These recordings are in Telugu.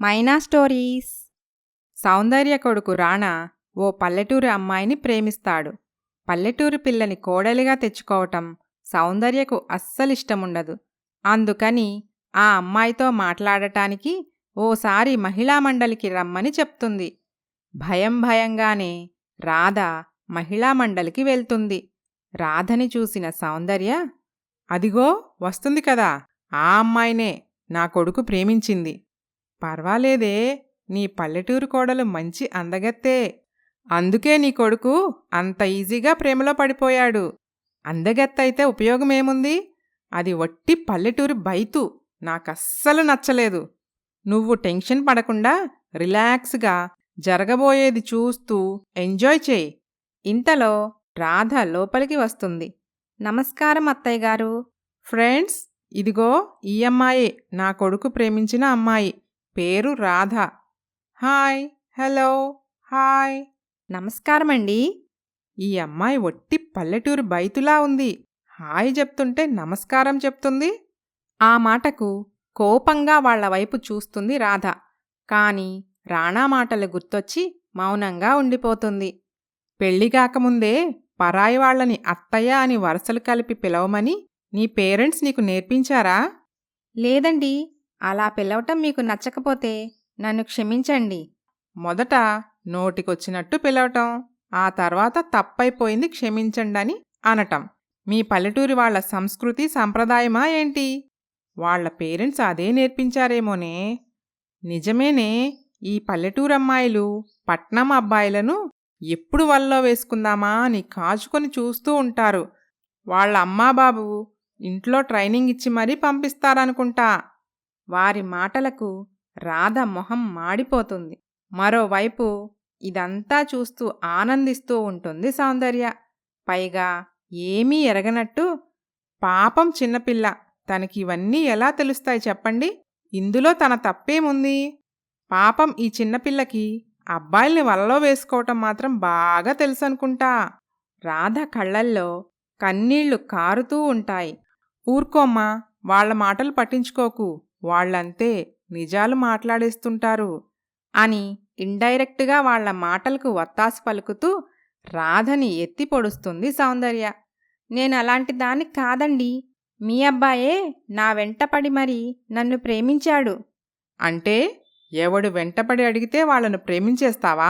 మైనా స్టోరీస్. సౌందర్య కొడుకు రాణా ఓ పల్లెటూరి అమ్మాయిని ప్రేమిస్తాడు. పల్లెటూరి పిల్లని కోడలిగా తెచ్చుకోవటం సౌందర్యకు అస్సలిష్టముండదు. అందుకని ఆ అమ్మాయితో మాట్లాడటానికి ఓసారి మహిళామండలికి రమ్మని చెప్తుంది. భయంగానే రాధ మహిళామండలికి వెళ్తుంది. రాధని చూసిన సౌందర్య, అదిగో వస్తుంది కదా, ఆ అమ్మాయినే నా కొడుకు ప్రేమించింది. పర్వాలేదే, నీ పల్లెటూరు కోడలు మంచి అందగత్తే. అందుకే నీ కొడుకు అంత ఈజీగా ప్రేమలో పడిపోయాడు. అందగత్తైతే ఉపయోగమేముంది? అది వట్టి పల్లెటూరు బైతు. నాకస్సలు నచ్చలేదు. నువ్వు టెన్షన్ పడకుండా రిలాక్స్గా జరగబోయేది చూస్తూ ఎంజాయ్ చేయి. ఇంతలో రాధ లోపలికి వస్తుంది. నమస్కారం అత్తయ్యగారు. ఫ్రెండ్స్, ఇదిగో ఈ అమ్మాయే నా కొడుకు ప్రేమించిన అమ్మాయి. పేరు రాధ. Hi, hello, hi. నమస్కారమండి. ఈ అమ్మాయి ఒట్టి పల్లెటూరు బైతులా ఉంది. హాయ్ చెప్తుంటే నమస్కారం చెప్తుంది. ఆ మాటకు కోపంగా వాళ్లవైపు చూస్తుంది రాధ. కాని రాణా మాటలు గుర్తొచ్చి మౌనంగా ఉండిపోతుంది. పెళ్లిగాకముందే పరాయి వాళ్లని అత్తయ్య అని వరసలు కలిపి పిలవమని నీ పేరెంట్స్ నీకు నేర్పించారా? లేదండి, అలా పిలవటం మీకు నచ్చకపోతే నన్ను క్షమించండి. మొదట నోటికొచ్చినట్టు పిలవటం, ఆ తర్వాత తప్పైపోయింది క్షమించండని అనటం మీ పల్లెటూరి వాళ్ల సంస్కృతి సంప్రదాయమా ఏంటి? వాళ్ల పేరెంట్స్ అదే నేర్పించారేమోనే. నిజమేనే, ఈ పల్లెటూరమ్మాయిలు పట్నం అబ్బాయిలను ఎప్పుడు వల్లో వేసుకుందామా అని కాచుకొని చూస్తూ ఉంటారు. వాళ్ల అమ్మాబాబు ఇంట్లో ట్రైనింగ్ ఇచ్చి మరీ పంపిస్తారనుకుంటా. వారి మాటలకు రాధ మొహం మాడిపోతుంది. మరోవైపు ఇదంతా చూస్తూ ఆనందిస్తూ ఉంటుంది సౌందర్య. పైగా ఏమీ ఎరగనట్టు, పాపం చిన్నపిల్ల, తనకివన్నీ ఎలా తెలుస్తాయి చెప్పండి? ఇందులో తన తప్పేముంది? పాపం ఈ చిన్నపిల్లకి అబ్బాయిల్ని వలలో వేసుకోవటం మాత్రం బాగా తెలుసనుకుంటా. రాధ కళ్ళల్లో కన్నీళ్లు కారుతూ ఉంటాయి. ఊర్కోమ్మా, వాళ్ల మాటలు పట్టించుకోకు, వాళ్లంతే, నిజాలు మాట్లాడేస్తుంటారు అని ఇండైరెక్టుగా వాళ్ల మాటలకు వత్తాసు పలుకుతూ రాధని ఎత్తి పొడుస్తుంది సౌందర్య. నేనలాంటి దాన్ని కాదండి, మీ అబ్బాయే నా వెంటపడి మరీ నన్ను ప్రేమించాడు. అంటే ఎవడు వెంటపడి అడిగితే వాళ్లను ప్రేమించేస్తావా?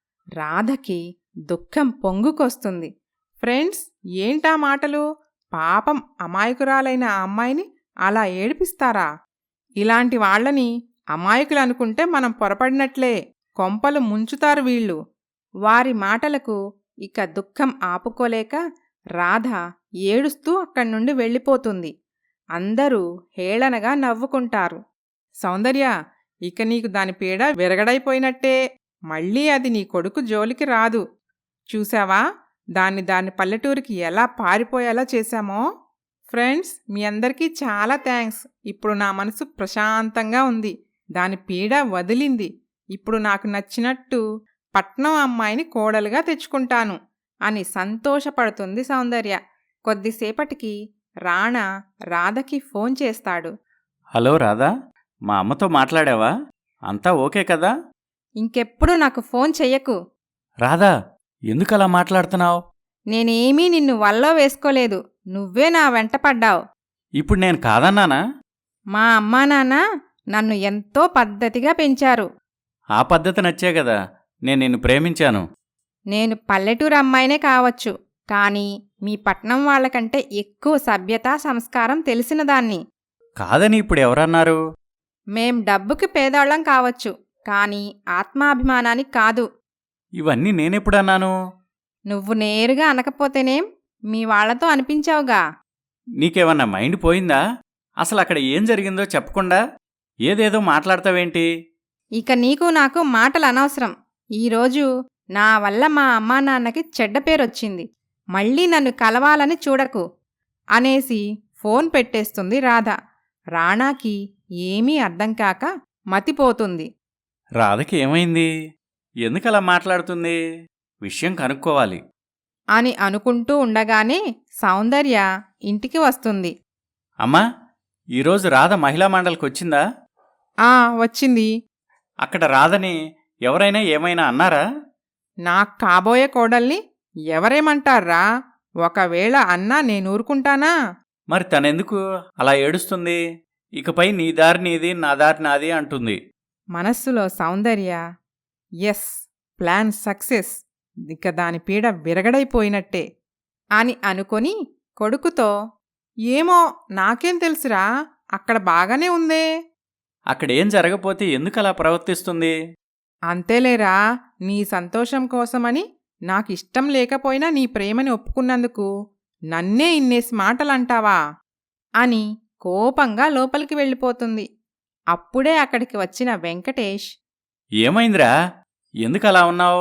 రాధకి దుఃఖం పొంగుకొస్తుంది. ఫ్రెండ్స్, ఏంటా మాటలు? పాపం అమాయకురాలైన ఆ అమ్మాయిని అలా ఏడిపిస్తారా? ఇలాంటి వాళ్లని అమాయకులనుకుంటే మనం పొరపడినట్లే. కొంపలు ముంచుతారు వీళ్ళు. వారి మాటలకు ఇక దుఃఖం ఆపుకోలేక రాధ ఏడుస్తూ అక్కడ్నుండి వెళ్ళిపోతుంది. అందరూ హేళనగా నవ్వుకుంటారు. సౌందర్య, ఇక నీకు దాని పీడ విరగడైపోయినట్టే. మళ్ళీ అది నీ కొడుకు జోలికి రాదు. చూశావా, దాన్ని పల్లెటూరికి ఎలా పారిపోయేలా చేశామో? ఫ్రెండ్స్, మీ అందరికీ చాలా థ్యాంక్స్. ఇప్పుడు నా మనసు ప్రశాంతంగా ఉంది. దాని పీడ వదిలింది. ఇప్పుడు నాకు నచ్చినట్టు పట్నం అమ్మాయిని కోడలుగా తెచ్చుకుంటాను అని సంతోషపడుతుంది సౌందర్య. కొద్దిసేపటికి రాణా రాధకి ఫోన్ చేస్తాడు. హలో రాధా, మా అమ్మతో మాట్లాడావా? అంతా ఓకే కదా? ఇంకెప్పుడు నాకు ఫోన్ చెయ్యకు. రాధా, ఎందుకలా మాట్లాడుతున్నావు? నేనేమీ నిన్ను వల్లో వేసుకోలేదు. నువ్వే నా వెంటపడ్డావు. ఇప్పుడు నేను కాదన్నానా? మా అమ్మా నాన్న నన్ను ఎంతో పద్ధతిగా పెంచారు. ఆ పద్ధతి నచ్చే కదా నేను నిన్ను ప్రేమించాను. నేను పల్లెటూరు అమ్మాయినే కావచ్చు, కానీ మీ పట్నం వాళ్లకంటే ఎక్కువ సభ్యత సంస్కారం తెలిసినదాన్ని. కాదని ఇప్పుడు ఎవరన్నారు? మేం డబ్బుకి పేదవాళ్ళం కావచ్చు, కానీ ఆత్మాభిమానానికి కాదు. ఇవన్నీ నేనెప్పుడన్నాను? నువ్వు నేరుగా అనకపోతేనేం, మీ వాళ్లతో అనిపించావుగా. నీకేమన్నా మైండ్ పోయిందా? అసలు అక్కడ ఏం జరిగిందో చెప్పకుండా ఏదేదో మాట్లాడతావేంటి? ఇక నీకు నాకు మాటలు అనవసరం. ఈరోజు నా వల్ల మా అమ్మా నాన్నకి చెడ్డ పేరొచ్చింది. మళ్ళీ నన్ను కలవాలని చూడకు అనేసి ఫోన్ పెట్టేస్తుంది రాధ. రాణాకి ఏమీ అర్థం కాక మతిపోతుంది. రాధకి ఏమైంది? ఎందుకలా మాట్లాడుతుంది? విషయం కనుక్కోవాలి అని అనుకుంటూ ఉండగానే సౌందర్య ఇంటికి వస్తుంది. అమ్మా, ఈరోజు రాధ మహిళా మండలికి వచ్చిందా? వచ్చింది. అక్కడ రాదని ఎవరైనా ఏమైనా అన్నారా? నాకు కాబోయే కోడల్ని ఎవరేమంటారా? ఒకవేళ అన్నా నేనూరుకుంటానా? మరి తనెందుకు అలా ఏడుస్తుంది? ఇకపై నీ దారి నీది, నా దారి నాది అంటుంది. మనస్సులో సౌందర్య, ఎస్, ప్లాన్ సక్సెస్, ఇక దాని పీడ విరగడైపోయినట్టే అని అనుకొని కొడుకుతో, ఏమో నాకేం తెలుసురా, అక్కడ బాగానే ఉందే. అక్కడేం జరగపోతే ఎందుకలా ప్రవర్తిస్తుంది? అంతేలేరా, నీ సంతోషం కోసమని నాకిష్టం లేకపోయినా నీ ప్రేమని ఒప్పుకున్నందుకు నన్నే ఇన్నేసి మాటలంటావా అని కోపంగా లోపలికి వెళ్ళిపోతుంది. అప్పుడే అక్కడికి వచ్చిన వెంకటేష్, ఏమైందిరా? ఎందుకలా ఉన్నావు?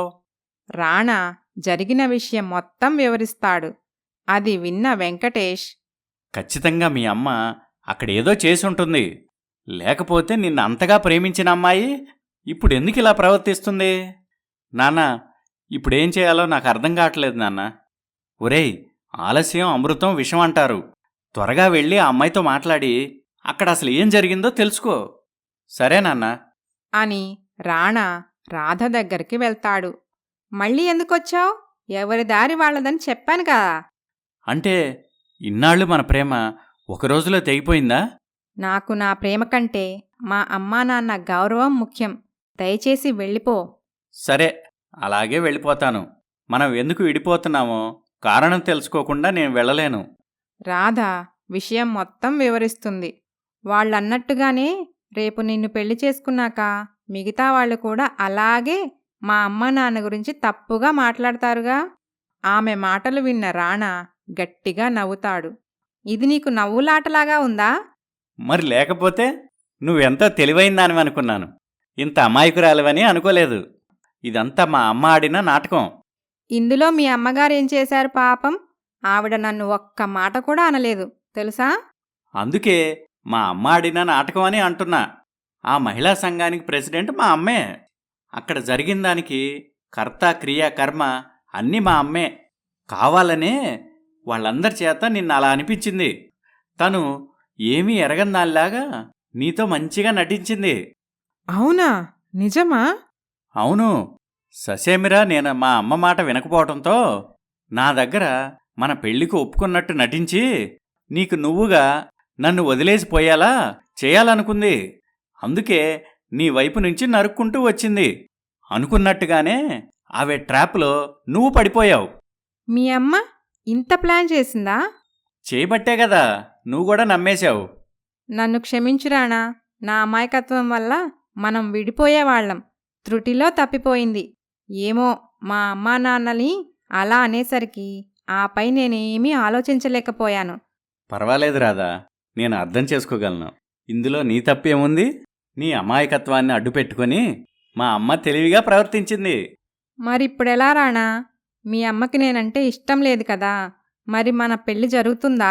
రాణా జరిగిన విషయం మొత్తం వివరిస్తాడు. అది విన్న వెంకటేష్, ఖచ్చితంగా మీ అమ్మ అక్కడేదో చేసుంటుంది. లేకపోతే నిన్ను అంతగా ప్రేమించిన అమ్మాయి ఇప్పుడెందుకిలా ప్రవర్తిస్తుంది? నాన్న, ఇప్పుడేం చేయాలో నాకు అర్థం కావట్లేదు నాన్న. ఒరేయ్, ఆలస్యం అమృతం విషం అంటారు. త్వరగా వెళ్ళి ఆ అమ్మాయితో మాట్లాడి అక్కడ అసలు ఏం జరిగిందో తెలుసుకో. సరే నాన్న అని రాణా రాధ దగ్గరికి వెళ్తాడు. మళ్ళీ ఎందుకొచ్చావ్? ఎవరి దారి వాళ్ళదని చెప్పాను కదా. అంటే ఇన్నాళ్ళు మన ప్రేమ ఒక రోజులో తెగిపోయిందా? నాకు నా ప్రేమ కంటే మా అమ్మా నాన్న గౌరవం ముఖ్యం. దయచేసి వెళ్ళిపో. సరే, అలాగే వెళ్ళిపోతాను. మనం ఎందుకు విడిపోతున్నామో కారణం తెలుసుకోకుండా నేను వెళ్ళలేను. రాధ విషయం మొత్తం వివరిస్తుంది. వాళ్ళన్నట్టుగానే రేపు నిన్ను పెళ్లి చేసుకున్నాక మిగతా వాళ్ళు కూడా అలాగే మా అమ్మ నాన్న గురించి తప్పుగా మాట్లాడతారుగా. ఆమె మాటలు విన్న రాణా గట్టిగా నవ్వుతాడు. ఇది నీకు నవ్వులాటలాగా ఉందా? మరి లేకపోతే నువ్వెంతో తెలివైందానివనుకున్నాను. ఇంత అమాయకురాలివని అనుకోలేదు. ఇదంతా మా అమ్మ ఆడిన నాటకం. ఇందులో మీ అమ్మగారేం చేశారు పాపం? ఆవిడ నన్ను ఒక్క మాట కూడా అనలేదు తెలుసా? అందుకే మా అమ్మ ఆడిన నాటకం అని అంటున్నా. ఆ మహిళా సంఘానికి ప్రెసిడెంట్ మా అమ్మే. అక్కడ జరిగిన దానికి కర్త, క్రియ, కర్మ అన్నీ మా అమ్మే. కావాలనే వాళ్ళందరి చేత నిన్న అలా అనిపించింది. తను ఏమీ ఎరగందానిలాగా నీతో మంచిగా నటించింది. అవునా? నిజమా? అవును. ససేమిరా నేను మా అమ్మ మాట వినకపోవటంతో నా దగ్గర మన పెళ్లికి ఒప్పుకున్నట్టు నటించి నీకు నువ్వుగా నన్ను వదిలేసిపోయేలా చేయాలనుకుంది. అందుకే నీ వైపు నుంచి నరుక్కుంటూ వచ్చింది. అనుకున్నట్టుగానే ఆవే ట్రాప్లో నువ్వు పడిపోయావు. మీ అమ్మ ఇంత ప్లాన్ చేసిందా? చేయబట్టే కదా నువ్వు కూడా నమ్మేశావు. నన్ను క్షమించురాణా. నా అమాయకత్వం వల్ల మనం విడిపోయేవాళ్లం. త్రుటిలో తప్పిపోయింది. ఏమో మా అమ్మా నాన్నని అలా అనేసరికి ఆపై నేనేమీ ఆలోచించలేకపోయాను. పర్వాలేదు రాదా, నేను అర్థం చేసుకోగలను. ఇందులో నీ తప్పేముంది? నీ అమాయకత్వాన్ని అడ్డుపెట్టుకొని మా అమ్మ తెలివిగా ప్రవర్తించింది. మరిప్పుడెలా రాణా? మీ అమ్మకి నేనంటే ఇష్టం లేదు కదా. మరి మన పెళ్లి జరుగుతుందా?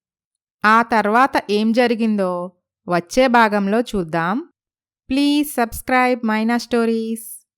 ఆ తర్వాత ఏం జరిగిందో వచ్చే భాగంలో చూద్దాం. Please subscribe Maina stories.